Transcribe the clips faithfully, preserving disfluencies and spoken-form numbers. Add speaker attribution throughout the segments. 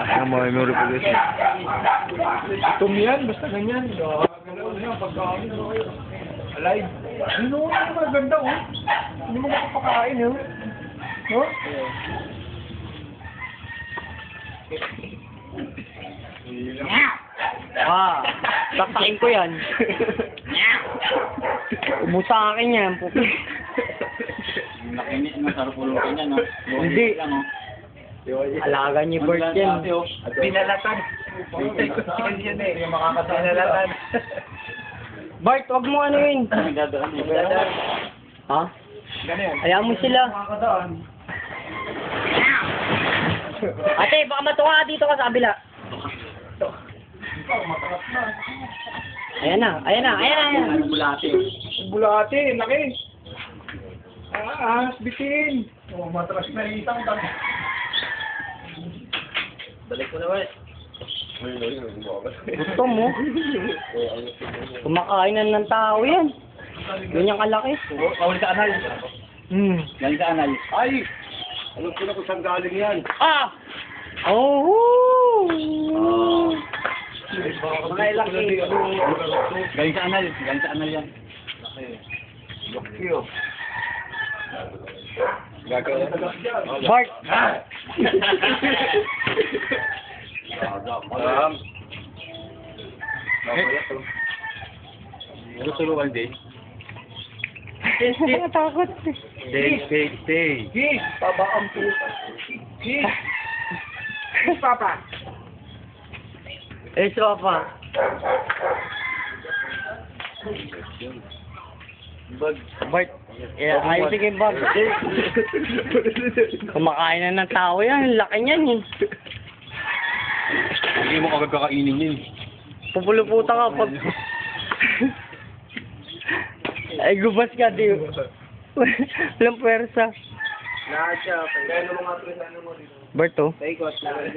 Speaker 1: Ang mga memory po guys.
Speaker 2: Tum yan, basta ganyan. Gano'n yan, pagkain. Alive. Ano ano maganda oh. Hindi mo makapakain oh. No?
Speaker 3: Ah, saksakin ko yan. Ubus sa akin yan.
Speaker 4: Nakinis mo sa rupulutin niya, no?
Speaker 3: Hindi. Alaga niyo bird yan.
Speaker 2: Pinalatan. Yan eh, yung makakasama. Pinalatan.
Speaker 3: Bart, wag mo ano yun.
Speaker 4: Nagdadaan mo.
Speaker 3: Ha?
Speaker 2: Ganyan.
Speaker 3: Hayaan mo sila.
Speaker 2: Makakadaan.
Speaker 3: Ate, baka matuwa ka dito ka sa kabila. Ayan na, ayan na, ayan na, ayan na.
Speaker 4: Ano bulate?
Speaker 2: Bulate, laki. Ah, bitin. Oh, matras na isang tag.
Speaker 4: Balik ko na, wait.
Speaker 3: Gusto mo? Kumakain na ng tao yan. Ganyan kalaki.
Speaker 4: Kawal sa anal.
Speaker 3: Hmm.
Speaker 4: Galing sa anal.
Speaker 1: Ay! Alam ko na kung saan galing yan.
Speaker 3: Ah! Oh!
Speaker 2: Mga laki.
Speaker 4: Galing sa anal. Galing sa anal yan.
Speaker 1: Laki oh. Gagawin.
Speaker 3: Bart!
Speaker 1: Um,
Speaker 4: Ano tulungan din?
Speaker 3: Nakatakot.
Speaker 1: stay, stay, stay.
Speaker 2: Gis, baba ang pusa. Gis. Gis, papa.
Speaker 3: Eh, sofa.
Speaker 1: Bag.
Speaker 3: Bart. Eh, ayos sige, Bart. Kumakain na ng tao yan. Laki niyan eh.
Speaker 1: Hindi mo agad kakainin yun.
Speaker 3: Pupuluputa ka pag... Ay, gubas ka, di. Walang pwersa.
Speaker 2: Lahat siya. Kaya naman nga tuloy ano mo dito.
Speaker 3: Bart, oh.
Speaker 2: Taikot.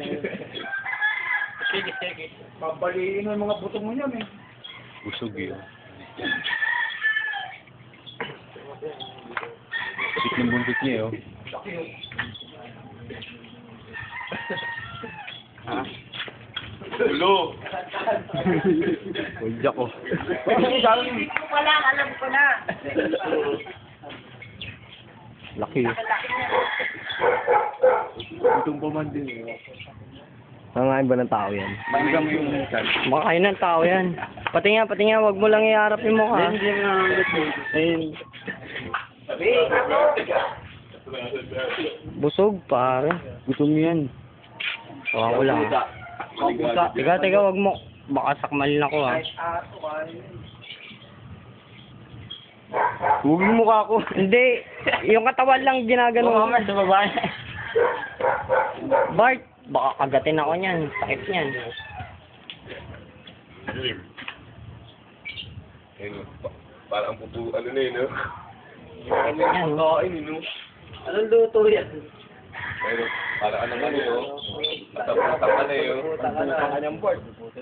Speaker 4: Sige, sige.
Speaker 2: Pabaliin mo yung mga buto mo niyan eh.
Speaker 1: Busog yun. Sit ng buntot niya, oh. Ha? Ulo! Ulja ko.
Speaker 2: Hindi ko pala, alam ko na.
Speaker 3: Laki.
Speaker 1: Itong paman din, oh.
Speaker 3: Nangain ba ng tao yan?
Speaker 1: Maligang mo yung minsan.
Speaker 3: Makain ng tao yan. Pati nga, pati nga, wag mo lang iharap yung mukha.
Speaker 4: Hindi mo
Speaker 3: Ayun. Busog, pare. Gutom yan. Baka ko lang. Teka, teka, wag mo. Baka sakmalin ako, ha.
Speaker 1: Huwag yung mukha ko.
Speaker 3: Hindi. Yung katawan lang ginagano.
Speaker 4: Mamaya sa babae.
Speaker 3: Bart, baka kagatin ako niyan. Sakit niyan.
Speaker 1: Ayun, pa- parang pupu, ano na yun, no?
Speaker 3: Sakit niyan.
Speaker 1: Kain, no?
Speaker 3: Anong luto yan?
Speaker 1: Ayun, parang ano man yun, no? Matap-matap ka na yun.
Speaker 2: Ang kanyang board.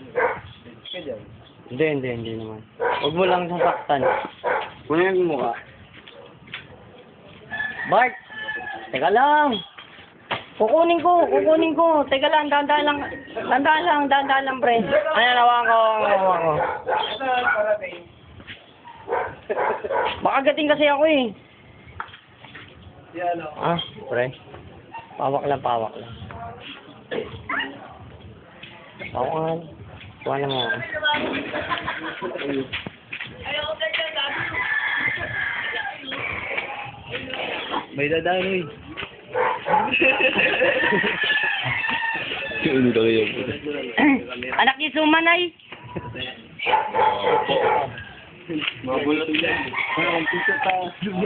Speaker 3: Hindi, hindi, hindi naman. Huwag mo lang sasaktan.
Speaker 1: Kunin yung mukha.
Speaker 3: Bart! Teka lang! Kukunin ko, kukunin ko. Teka lang, dandaan lang. Dandaan lang, dandaan lang, pre. Ano, nawakan ko, nawakan ko.
Speaker 2: Ito, parating.
Speaker 3: Baka gating kasi ako eh.
Speaker 2: Yan o.
Speaker 3: Ah, pre. Pawak lang, pawak lang. Pawak lang. Kuha lang ako.
Speaker 1: May dadaan, eh. Ano na kayo?
Speaker 3: Anak ni Sumanay.
Speaker 1: Mabulot yan.
Speaker 2: Ang pisa pa.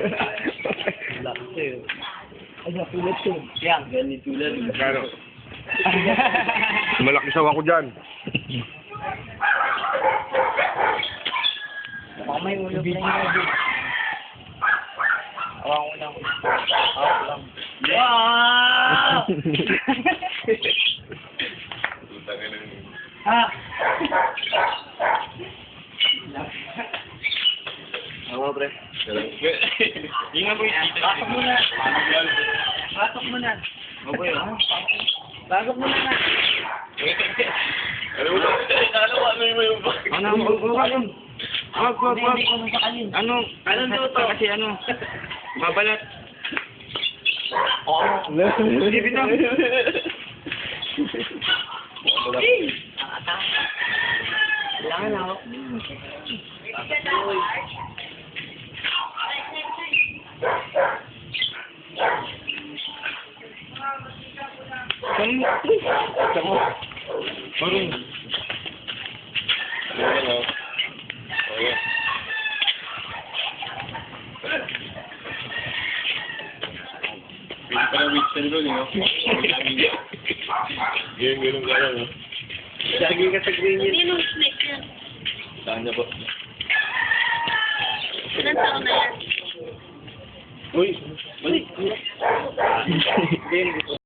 Speaker 3: Ay, napulot ko. Yan.
Speaker 4: Ganito lang.
Speaker 1: Kano? Malaki sawa ko dyan.
Speaker 3: Baka may ulog na yun. Awa ko lang. Awa ko lang.
Speaker 4: Wow!
Speaker 3: Ha?
Speaker 4: Ako, pre. Ingat mo yung dito.
Speaker 3: Pasok muna. Pasok muna.
Speaker 4: Ako, yun.
Speaker 3: Pasok muna na.
Speaker 4: Ano ba? Ano ba? Ano mo yung bag?
Speaker 5: Ano, wag, wag, wag. Wag, wag, wag. Ano,
Speaker 4: Anong luto?
Speaker 5: kasi ano, babalat.
Speaker 2: Hindi bitaw.
Speaker 3: Kailangan ako.
Speaker 2: Marunong.
Speaker 1: Ano? Okay. Pili pa ng weeks na nilo, no? Ganyan, ganun ka lang, no?
Speaker 5: Lagi ka sa green yun.
Speaker 6: Sino snake yan?
Speaker 1: Saan niya po?
Speaker 6: Ilan taon na yan?
Speaker 1: Uy!
Speaker 5: Hindi,